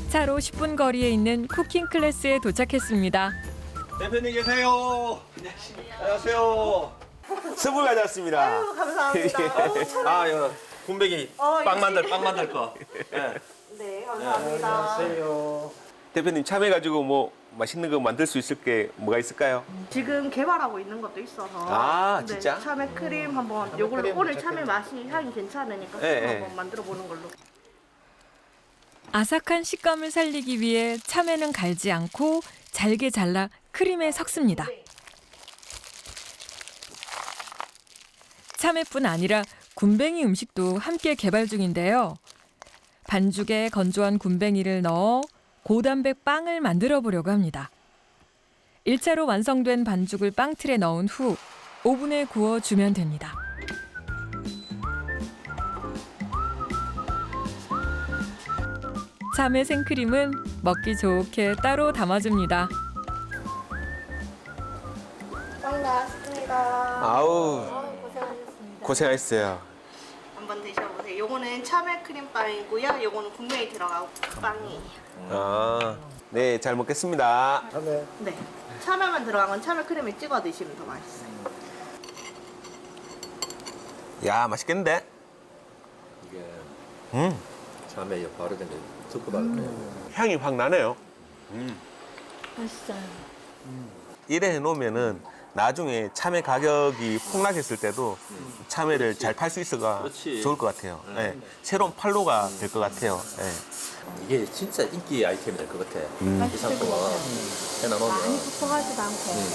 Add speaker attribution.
Speaker 1: 차로 10분 거리에 있는 쿠킹 클래스에 도착했습니다.
Speaker 2: 대표님 계세요. 안녕하세요.
Speaker 3: 선물 가져왔습니다.
Speaker 4: 아유, 감사합니다.
Speaker 2: 아, 이거 군뱅이 빵 만들 거. 네.
Speaker 4: 네, 감사합니다.
Speaker 3: 대표님 참여해가지고 뭐 맛있는 거 만들 수 있을 게 뭐가 있을까요?
Speaker 4: 지금 개발하고 있는 것도 있어서.
Speaker 3: 아, 진짜?
Speaker 4: 네, 참외 크림 한번 요걸로 오늘 참외 맛이 향이 괜찮으니까
Speaker 3: 네,
Speaker 4: 크림
Speaker 3: 네.
Speaker 4: 한번 만들어 보는 걸로.
Speaker 1: 아삭한 식감을 살리기 위해 참외는 갈지 않고 잘게 잘라 크림에 섞습니다. 참외뿐 아니라 군뱅이 음식도 함께 개발 중인데요. 반죽에 건조한 군뱅이를 넣어 고단백 빵을 만들어 보려고 합니다. 1차로 완성된 반죽을 빵틀에 넣은 후 오븐에 구워주면 됩니다. 참외 생크림은 먹기 좋게 따로 담아줍니다.
Speaker 4: 빵 나왔습니다.
Speaker 3: 아우,
Speaker 4: 고생하셨습니다.
Speaker 3: 고생하셨어요.
Speaker 4: 한번 드셔보세요. 요거는 참외 크림 빵이고요. 요거는 군뱅이 들어가고 빵이에요.
Speaker 3: 아, 네, 잘 먹겠습니다.
Speaker 4: 네. 참외만 들어간 건 참외 크림에 찍어 드시면 더 맛있어요.
Speaker 3: 야, 맛있겠는데?
Speaker 2: 이게
Speaker 3: 음,
Speaker 2: 참외 바로 된게 듣고 받았네요.
Speaker 3: 향이 확 나네요.
Speaker 4: 맛있어요.
Speaker 3: 이래 해놓으면은 나중에 참외 가격이 폭락했을 때도 참외를 잘 팔 수 있어가
Speaker 2: 그렇지.
Speaker 3: 좋을 것 같아요. 예, 새로운 판로가 될 것 같아요. 예.
Speaker 2: 이게 진짜 인기 아이템이 될 것 같아. 이
Speaker 4: 맛있을 것
Speaker 2: 상품은
Speaker 4: 같아요.
Speaker 2: 해놔놓으면.
Speaker 4: 많이 퍽퍽하지도 않고.